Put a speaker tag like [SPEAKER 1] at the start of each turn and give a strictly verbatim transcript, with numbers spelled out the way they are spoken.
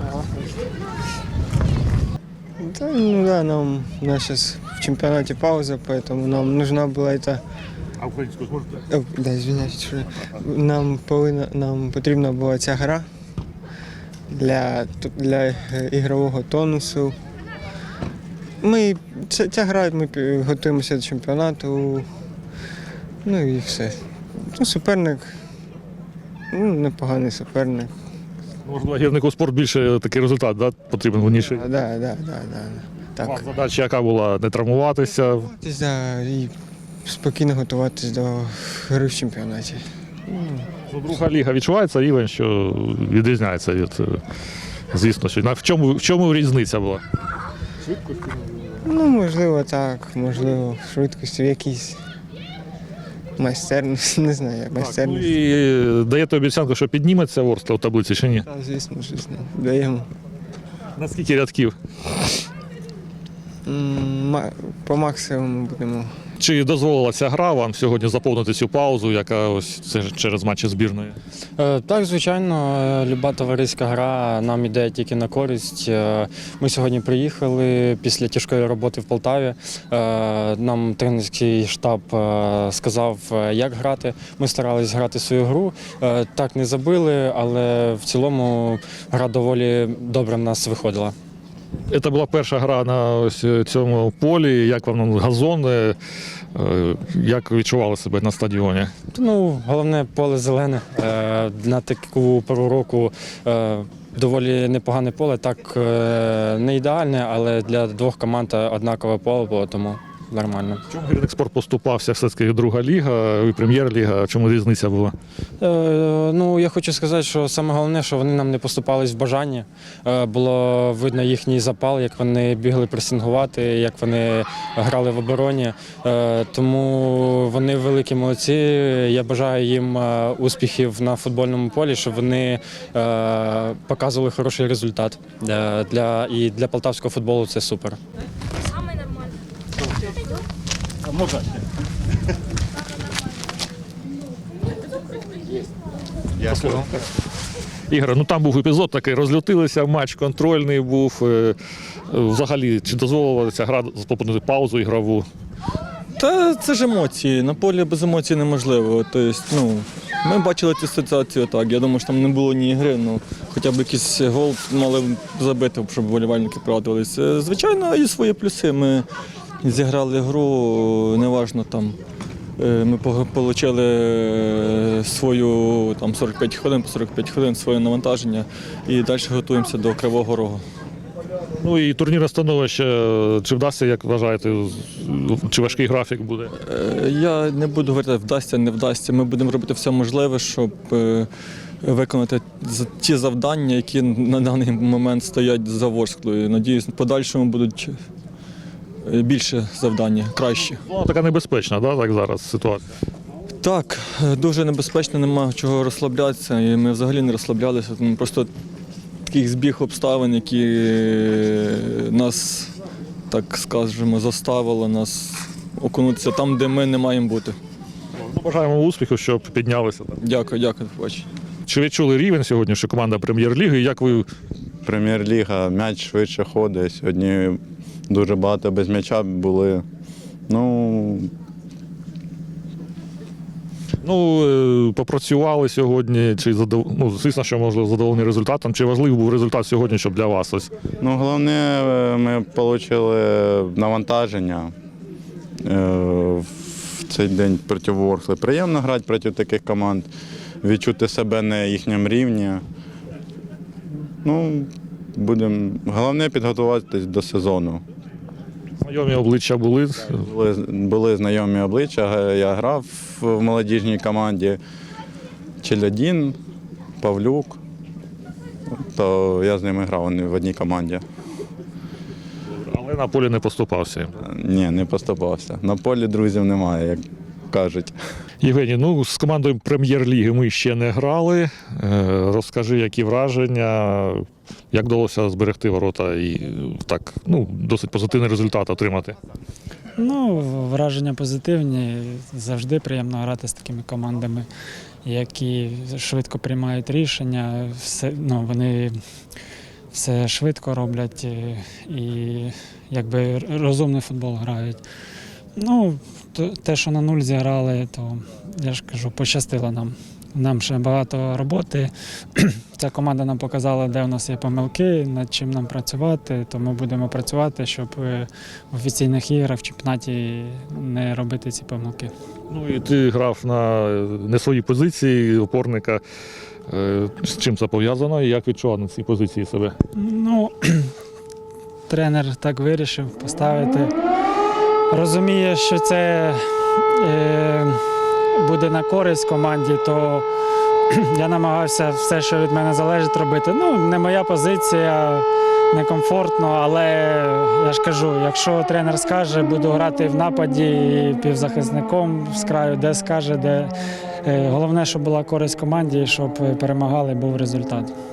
[SPEAKER 1] Да, ну да, нам у нас сейчас в чемпионате пауза, поэтому нам нужна была эта.
[SPEAKER 2] А українську зможете?
[SPEAKER 1] О, да, извиняюсь, що нам повинна нам потрібна була ця гра для, для ігрового тонусу. Ми ця, ця гра, ми готуємося до чемпіонату. Ну і все. Ну, суперник, ну, непоганий суперник.
[SPEAKER 2] Можливо, гірнику спорт більше такий результат, да? Потрібен виніший.
[SPEAKER 1] Так, да, да, да, да. Так.
[SPEAKER 2] Так. Задача яка була? Не травмуватися?
[SPEAKER 1] Готуватись, да, і спокійно готуватись до гри в чемпіонаті.
[SPEAKER 2] Ну, друга ліга відчувається рівень, що відрізняється від, е, звісно, що. В чому, в чому різниця була?
[SPEAKER 1] Ну, можливо, так, можливо, в швидкості в якійсь майстерності, не знаю, як
[SPEAKER 2] Ну
[SPEAKER 1] майстерності.
[SPEAKER 2] і даєте обіцянку, що підніметься Ворскла в таблиці чи ні?
[SPEAKER 1] Так, звісно, звісно, даємо.
[SPEAKER 2] На скільки рядків?
[SPEAKER 1] М, ма- По максимуму будемо.
[SPEAKER 2] Чи дозволила ця гра вам сьогодні заповнити цю паузу, яка ось це ж через матчі збірної?
[SPEAKER 3] Е, Так, звичайно, е, люба товариська гра нам іде тільки на користь. Е, Ми сьогодні приїхали після тяжкої роботи в Полтаві. Е, Нам тренерський штаб е, сказав, е, як грати. Ми старались грати свою гру. Е, Так, не забили, але в цілому гра доволі добре в нас виходила.
[SPEAKER 2] Це була перша гра на ось цьому полі. Як вам газон, е, як відчували себе на стадіоні?
[SPEAKER 3] Ну, головне поле зелене. Е, На таку пору року е, доволі непогане поле. Так е, не ідеальне, але для двох команд однакове поле було, тому нормально.
[SPEAKER 2] В чому гірник спорт поступався? Все-таки друга ліга і прем'єр-ліга. В чому різниця була?
[SPEAKER 3] Е, Ну, я хочу сказати, що саме головне, що вони нам не поступались в бажанні. Е, Було видно їхній запал, як вони бігли пресингувати, як вони грали в обороні. Е, Тому вони великі молодці. Я бажаю їм е, успіхів на футбольному полі, щоб вони е, показували хороший результат. Е, Для, і для полтавського футболу це супер.
[SPEAKER 4] Самый нормальный.
[SPEAKER 2] Можна. Ігор, ну там був епізод такий, розлютилися, матч контрольний був. Е, Взагалі, чи дозволила ця гра заповнити паузу ігрову?
[SPEAKER 5] Та це ж емоції. На полі без емоцій неможливо. Тобто, ну, ми бачили цю ситуацію так. Я думаю, що там не було ні ігри, ну хоча б якийсь гол мали б забити, щоб вболівальники порадувалися. Звичайно, є свої плюси. Ми зіграли гру, неважно там. е, Ми отримали свою там сорок п'ять хвилин, по сорок п'ять хвилин своє навантаження і далі готуємося до Кривого Рогу.
[SPEAKER 2] Ну і турнірне становище, чи вдасться, як вважаєте, чи важкий графік буде?
[SPEAKER 5] Е, Я не буду говорити, вдасться, не вдасться. Ми будемо робити все можливе, щоб е, виконати з- ті завдання, які на даний момент стоять за Ворсклою. Надіюсь, в подальшому будуть е, більше завдання, кращі.
[SPEAKER 2] Ну, така небезпечна, да, так зараз ситуація.
[SPEAKER 5] Так, е, дуже небезпечно, немає чого розслаблятися, і ми взагалі не розслаблялися. Тому просто такий збіг обставин, які е, нас, так скажемо, заставило нас окунутися там, де ми не маємо бути.
[SPEAKER 2] Ну, бажаємо успіху, щоб піднялися.
[SPEAKER 5] Дякую, дякую, до побачення.
[SPEAKER 2] Чи відчули рівень сьогодні, що команда прем'єр-ліги? Як ви
[SPEAKER 6] Прем'єр-ліга, м'яч швидше ходить. Сьогодні дуже багато без м'яча були. Ну,
[SPEAKER 2] ну, е, попрацювали сьогодні? Чи задов... ну, звісно, що можливо задоволені результатом? Чи важливий був результат сьогодні, щоб для вас ось?
[SPEAKER 6] ну головне, е, ми отримали навантаження е, в цей день проти Ворскли. Приємно грати проти таких команд, відчути себе на їхньому рівні. Ну, будемо. Головне підготуватися до сезону.
[SPEAKER 2] Знайомі обличчя були?
[SPEAKER 6] Були, були знайомі обличчя. Я грав в молодіжній команді Челядін, Павлюк. То я з ними грав вони в одній команді.
[SPEAKER 2] Але на полі не поступався їм.
[SPEAKER 6] Ні, не поступався. На полі друзів немає, як кажуть.
[SPEAKER 2] Євгеній, ну з командою прем'єр-ліги ми ще не грали. Е, Розкажи, які враження, як вдалося зберегти ворота і так, ну, досить позитивний результат отримати.
[SPEAKER 7] Ну, враження позитивні. Завжди приємно грати з такими командами, які швидко приймають рішення. Все, ну, вони все швидко роблять і, і якби розумний футбол грають. Ну, то- те, що на нуль зіграли, то я ж кажу, пощастило нам. Нам ще багато роботи. Ця команда нам показала, де у нас є помилки, над чим нам працювати, тому будемо працювати, щоб е, в офіційних іграх в чемпіонаті не робити ці помилки.
[SPEAKER 2] Ну і ти грав на не своїй позиції опорника. Е, З чим це пов'язано і як відчував на цій позиції себе?
[SPEAKER 7] Ну, тренер так вирішив поставити. Розуміє, що це е, буде на користь команді, то я намагався все, що від мене залежить, робити. Ну, не моя позиція, некомфортно, але я ж кажу, якщо тренер скаже, буду грати в нападі і півзахисником з краю, де скаже, де. Е, Головне, щоб була користь команді, і щоб перемагали, був результат.